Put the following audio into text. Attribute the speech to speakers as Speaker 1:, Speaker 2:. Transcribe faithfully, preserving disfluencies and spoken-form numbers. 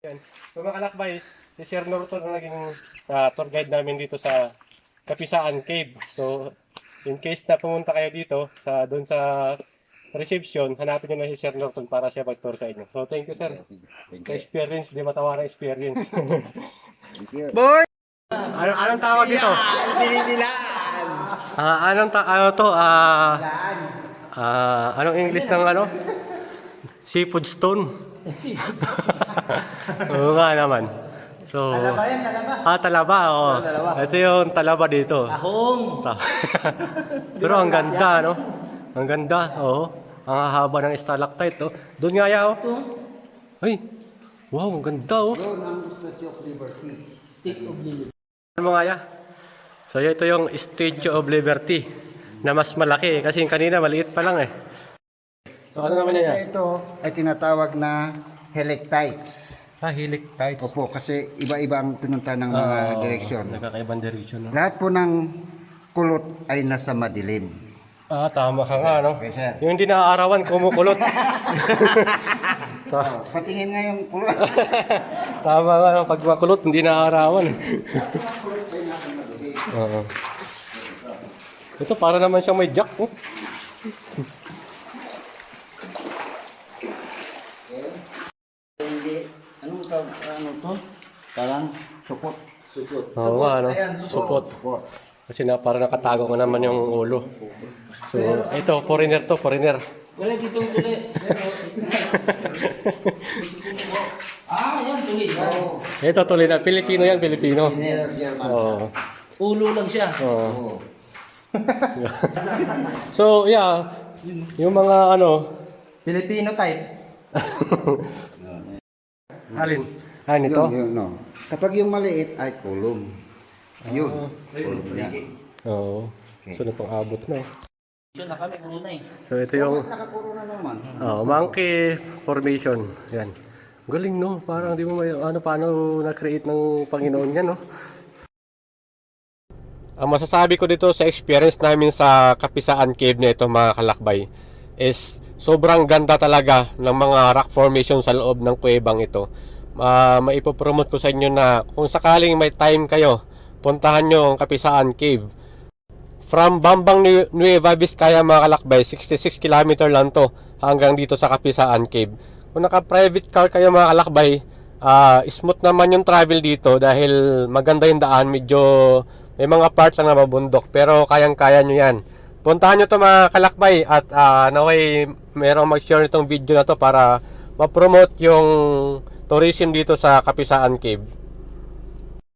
Speaker 1: Yan. So mga kalakbay, si Sir Norton ang naging uh, tour guide namin dito sa Kapisaan Cave. So in case na pumunta kayo dito sa doon sa reception, hanapin nyo na si Sir Norton para siya mag-tour sa inyo. So thank you, sir. Sa experience, di matawarang experience. Boy! Ano, anong tawag dito?
Speaker 2: Dinidilaan!
Speaker 1: Ah, anong ta ano to? Ah, ah, anong English ng ano? Seafood stone. Oo nga naman. So,
Speaker 2: Talaba yan, talaba.
Speaker 1: Ah, talaba, oo.
Speaker 2: talaba.
Speaker 1: Ito yung talaba dito.
Speaker 2: Ahong!
Speaker 1: Ta- Pero ang ganda, no? Ang ganda, oo. Ang haba ng stalactite, oh. Doon nga ya, oh. Ay, wow, ang ganda, oh.
Speaker 2: Doon ang Statue of Liberty. Stick of Liberty.
Speaker 1: Ano mga ya? So, ito yung Statue of Liberty na mas malaki kasi yung kanina maliit pa lang, eh. So, ano naman yan, ya?
Speaker 2: Ito ay tinatawag na helictites.
Speaker 1: Ah, helictites.
Speaker 2: Opo, kasi iba-iba ang pinunta ng mga
Speaker 1: Ah,
Speaker 2: direksyon.
Speaker 1: Nagkakaibang direction, no?
Speaker 2: Lahat po ng kulot ay nasa madilim.
Speaker 1: Ah, tama ka nga, no?
Speaker 2: Okay, sir.
Speaker 1: Yung hindi naaarawan, kumukulot. Ta-
Speaker 2: Patingin nga yung kulot.
Speaker 1: Tama nga, no? Pag makulot, hindi naaarawan. Oo. Ito, para naman siyang may jack, oh.
Speaker 2: Hindi, anong tawag, ano to? Parang supot. Supot.
Speaker 1: Oo nga, no?
Speaker 2: Ayan,
Speaker 1: Supot.
Speaker 2: Supot.
Speaker 1: Kasi na, para nakatago ko naman yung ulo. So, ito, foreigner to, foreigner.
Speaker 3: Wala dito tuli. Ah, yan tuli.
Speaker 2: Oo.
Speaker 1: Ito, tuloy na. Pilipino yan, Pilipino.
Speaker 2: Yes, German.
Speaker 1: Oo.
Speaker 3: Ulo lang siya.
Speaker 1: Oo.
Speaker 2: Oo.
Speaker 1: So, yeah. Yung mga ano,
Speaker 2: Filipino type.
Speaker 1: alin? Ah, nito?
Speaker 2: Yun, yun, no. Kapag yung maliit ay kulong. Yun. Kulong yan.
Speaker 1: Oo. So, na itong abot na.
Speaker 3: Siya na kami, ulo na eh.
Speaker 1: So, ito yung
Speaker 2: Nakapuro na naman.
Speaker 1: oh, monkey formation. Yan. Galing, no? Parang di mo may, ano, paano na-create ng Panginoon yan, no? Ang masasabi ko dito sa experience namin sa Kapisaan Cave na ito, mga kalakbay, is sobrang ganda talaga ng mga rock formation sa loob ng kuwebang ito. Uh, maipopromote ko sa inyo na kung sakaling may time kayo, puntahan nyo ang Kapisaan Cave. From Bambang Nueva Vizcaya, mga kalakbay, sixty-six kilometer lang to hanggang dito sa Kapisaan Cave. Kung naka-private car kayo, mga kalakbay, uh, smooth naman yung travel dito dahil maganda yung daan, medyo may mga part lang na mabundok, pero kayang-kaya nyo yan. Puntahan nyo to, mga kalakbay, at uh, naway merong mag-share nitong video na to para ma-promote yung tourism dito sa Kapisaan Cave.